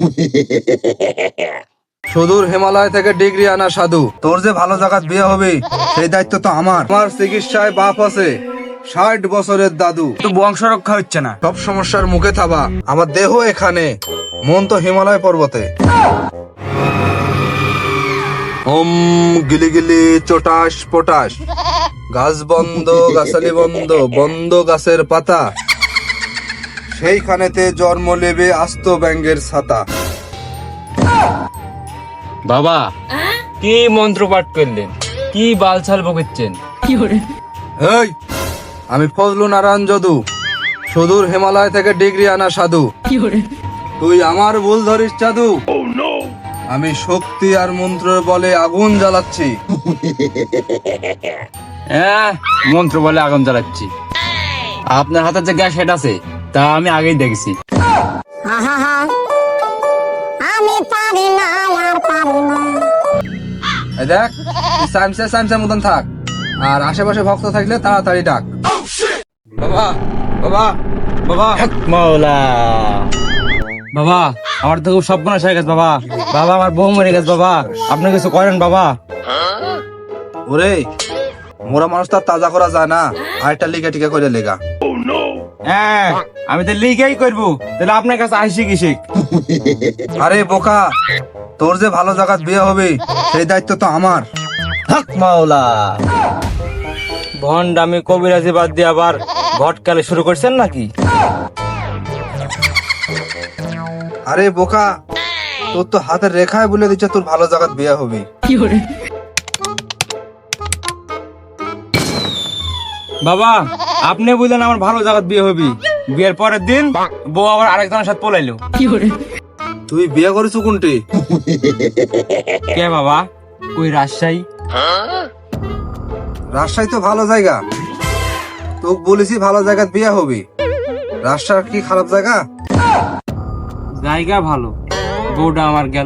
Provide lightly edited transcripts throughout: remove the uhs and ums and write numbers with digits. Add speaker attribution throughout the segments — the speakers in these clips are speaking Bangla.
Speaker 1: সুদূর হিমালয় থেকে ডিগ্রি আনা সাধু, তোর যে ভালো জায়গায় বিয়ে হবে সেই দায়িত্ব তো আমার। আমার চিকিৎসায় বাপ আছে 60 বছরের দাদু,
Speaker 2: তো বংশ রক্ষা হচ্ছে না।
Speaker 1: সব সমস্যার মুখে থাবা। আমার দেহ এখানে, মন তো হিমালয় পর্বতে। ওম গিলি গিলি চটাস পটাস, গাছ বন্ধ গাছালি বন্ধ, বন্ধ গাছের পাতা, সেইখানেতে জন্ম নেবে আস্ত ব্যাঙ্গের ছাতা।
Speaker 2: বাবা কি মন্ত্র পাঠ করলেন, কি বালছাল বকেছেন?
Speaker 1: এই, আমি ফজলু নারায়ণ যদু, সুদূর হিমালয় থেকে ডিগ্রি আনা সাধু। তুই আমার ভুল ধরিস জাদু। আমি শক্তি আর মন্ত্রের বলে আগুন জ্বালাচ্ছি।
Speaker 2: হ্যাঁ, মন্ত্র বলে আগুন জ্বালাচ্ছি। আপনার হাতে যে গ্যাস হেড আছে তা আমি আগেই দেখেছি।
Speaker 3: আমি পারি না আর পারি না।
Speaker 1: এই দেখ, তুই সামসে মতন থাক, আর আশেপাশে ভক্ত থাকলে তাড়াতাড়ি ডাক। বাবা বাবা বাবা
Speaker 2: মাওলা, বাবা আমার তো খুব সর্বনাশ হয়ে গেছে বাবা। বাবা আমার বউ মরে গেছে বাবা, আপনি কিছু করেন বাবা।
Speaker 1: ওরে, মোরা মানুষ তার তাজা করা যায় না, আরেকটা লিগা টিকা করে লেগা।
Speaker 2: হ্যাঁ, আমি তো লিগেই করবো, তাহলে আপনার কাছে আসি কি শিখ?
Speaker 1: আরে বোকা, তোর যে ভালো জায়গায় বিয়ে হবে সেই দায়িত্ব তো আমার।
Speaker 2: হক মাওলা, ভন্ড আমি কবিরাজি বাদ দিয়ে আবার ঘটকালে শুরু করছেন নাকি?
Speaker 1: আরে বোকা, তোর তো হাতের রেখায় বলে দিচ্ছে তোর ভালো জায়গায় বিয়ে হবে।
Speaker 2: বাবা আপনি বুঝলেন আমার ভালো জায়গা বিয়ে হবি, বিয়ের পরের দিন বউ আবার আরেকজনের সাথে পলাইলো।
Speaker 1: তুই বিয়ে করেছো কোনটি?
Speaker 2: কে বাবা? ওই রাজশাহী।
Speaker 1: রাজশাহী তো ভালো জায়গা, তোকে বলেছি ভালো জায়গায় বিয়ে হবে। রাজশাহী কি খারাপ জায়গা?
Speaker 2: জায়গা ভালো, বউটা আমার গেল।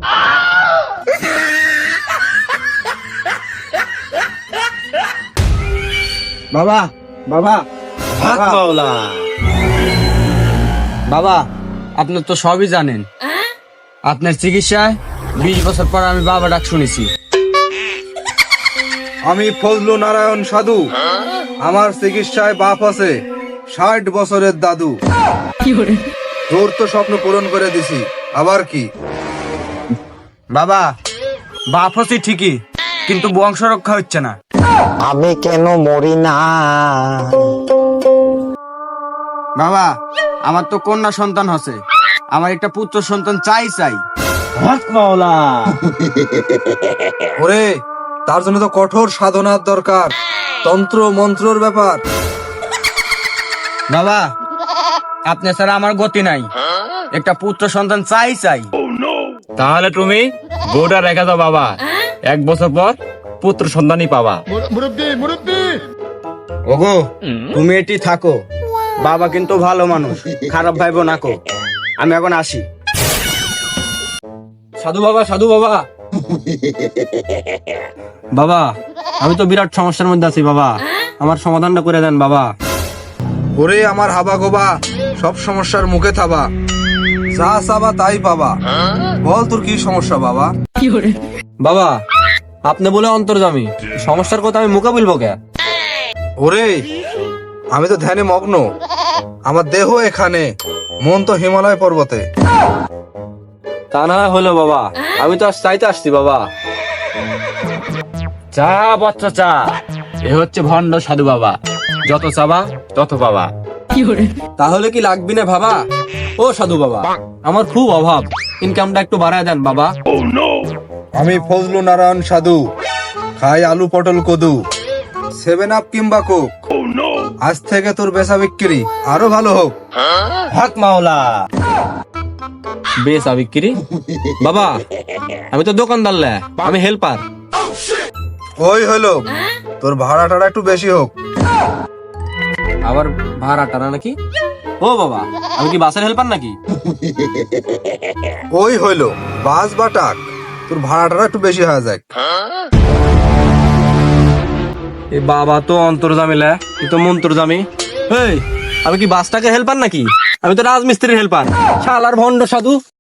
Speaker 1: বাবা বাবা
Speaker 2: বাবা আপনার তো সবই জানেন, আপনার চিকিৎসায় 20 বছর পর আমি বাবা ডাক শুনেছি।
Speaker 1: আমি ফজলু নারায়ণ সাধু, আমার চিকিৎসায় বাপ আছে 60 বছরের দাদু। তোর তো স্বপ্ন পূরণ করে দিছি, আবার কি?
Speaker 2: বাবা বাপ হচ্ছে ঠিকই, কিন্তু বংশ রক্ষা হচ্ছে না।
Speaker 3: আমি কেন মরি না?
Speaker 2: বাবা আমার তো কন্যা সন্তান হচ্ছে, আমার একটা পুত্র সন্তান চাই চাই। হক মাওলা।
Speaker 1: ওরে, তার জন্য তো কঠোর সাধনার দরকার, তন্ত্র মন্ত্রর ব্যাপার।
Speaker 2: বাবা আপনি ছাড়া আমার গতি নাই, একটা পুত্র সন্তান চাই চাই। তাহলে তুমি বউটা রেখে দাও বাবা, 1 বছর পর পুত্র সন্তানই পাবা। ওগো তুমি এটি থাকো, বাবা কিন্তু ভালো মানুষ, খারাপ ভাইবো নাকো। আমি এখন আসি। সাধু বাবা, সাধু বাবা। বাবা আমি তো বিরাট সমস্যার মধ্যে আছি বাবা, আমার সমাধানটা করে দেন বাবা।
Speaker 1: ওরে আমার হাবা গোবা, সব সমস্যার মুখে থাবা, যা চাবা তাই পাবা। বল তোর কি সমস্যা বাবা?
Speaker 2: বাবা আপনি বলে অন্তর্জামী, সমস্যার কথা আমি মুখে বলবো কে?
Speaker 1: ওরে, আমি তো ধ্যানে মগ্ন, আমার দেহ এখানে, মন তো হিমালয় পর্বতে।
Speaker 2: তা না হলো বাবা, আমি তো আজ চাইতে আসছি বাবা। চা বাচ্চা চা, এ হচ্ছে ভণ্ড সাধু বাবা, যত চাবা তত পাবা। তাহলে কি লাগবি না বাবা? ও সাধু বাবা, আমার খুব অভাব, ইনকামটা একটু বাড়ায় দেন বাবা।
Speaker 1: আমি ফজলু নারায়ণ সাধু, খাই আলু পটল কদু, 7 আপ কিংবা কোক। আজ থেকে তোর বেচা বিক্রি আরো ভালো হোক।
Speaker 2: হক মাওলা। বেশ বিক্রি বাবা, আমি তো দোকানদার লে, আমি হেল্পার।
Speaker 1: ওই হলো, তোর ভাড়া টাড়া একটু বেশি হোক।
Speaker 2: আবার ভাড়া টানা নাকি? ও বাবা, আমি কি বাসের হেল্পার নাকি?
Speaker 1: ওই হইলো, বাস বা টাক, তোর ভাড়া টাড়া একটু বেশি হয়ে যায়।
Speaker 2: এই বাবা তো অন্তর্জামী লে, এ তো মন্ত্রজামী। এই আমি কি বাসটাকে হেল্পার নাকি? আমি তো রাজমিস্ত্রির হেল্পার। শালার ভণ্ড সাধু।